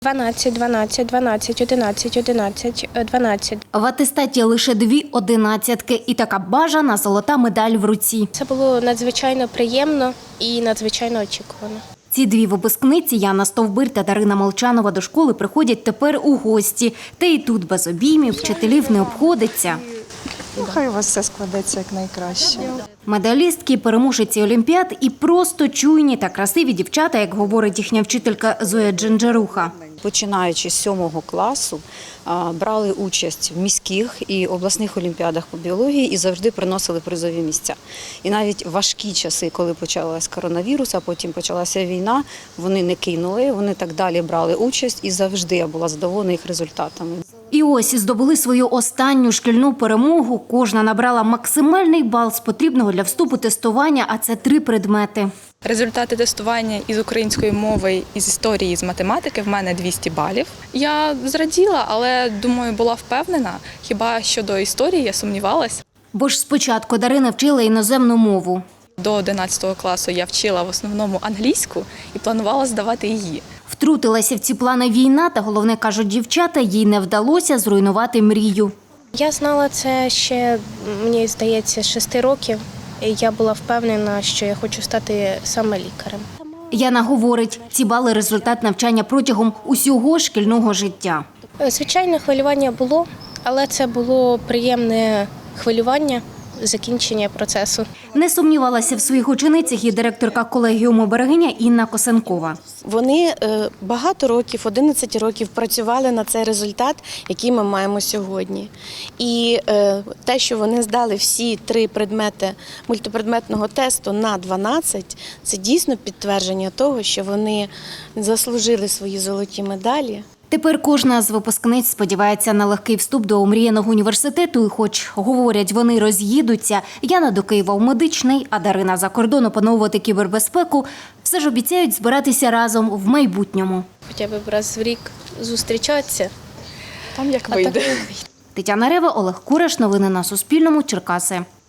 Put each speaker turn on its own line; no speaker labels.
12, 12, 12, 11, 11, 12.
В атестаті лише 2 одинадцятки і така бажана золота медаль в руці.
Це було надзвичайно приємно і надзвичайно очікувано.
Ці 2 випускниці Яна Стовбир та Дарина Молчанова до школи приходять тепер у гості. Та і тут без обіймів вчителів не обходиться.
Хай у вас все складеться як найкраще.
Медалістки, переможці олімпіад і просто чуйні та красиві дівчата, як говорить їхня вчителька Зоя Джинджеруха.
Починаючи з 7 класу, брали участь в міських і обласних олімпіадах по біології і завжди приносили призові місця. І навіть важкі часи, коли почалась коронавірус, а потім почалася війна, вони не кинули, вони так далі брали участь і завжди я була задоволена їх результатами.
І ось здобули свою останню шкільну перемогу. Кожна набрала максимальний бал з потрібного для вступу тестування, а це 3 предмети.
Результати тестування із української мови, із історії, з математики в мене 200 балів. Я зраділа, але, думаю, була впевнена. Хіба щодо історії я сумнівалась.
Бо ж спочатку Дарина вчила іноземну мову.
До 11 класу я вчила в основному англійську і планувала здавати її.
Втрутилася в ці плани війна, та головне, кажуть дівчата, їй не вдалося зруйнувати мрію.
Я знала це ще, мені здається, з 6 років. І я була впевнена, що я хочу стати саме лікарем.
Яна говорить, ці бали – результат навчання протягом усього шкільного життя.
Звичайно, хвилювання було, але це було приємне хвилювання закінчення процесу.
Не сумнівалася в своїх ученицях і директорка колегіуму Берегиня Інна Косенкова.
Вони багато років, 11 років працювали на цей результат, який ми маємо сьогодні. І те, що вони здали всі 3 предмети мультипредметного тесту на 12, це дійсно підтвердження того, що вони заслужили свої золоті медалі.
Тепер кожна з випускниць сподівається на легкий вступ до омріяного університету. І хоч, говорять, вони роз'їдуться, Яна до Києва в медичний, а Дарина за кордон опановувати кібербезпеку, все ж обіцяють збиратися разом в майбутньому.
Хоча б раз в рік зустрічатися.
Там як вийде.
Тетяна Рева, Олег Кураш. Новини на Суспільному. Черкаси.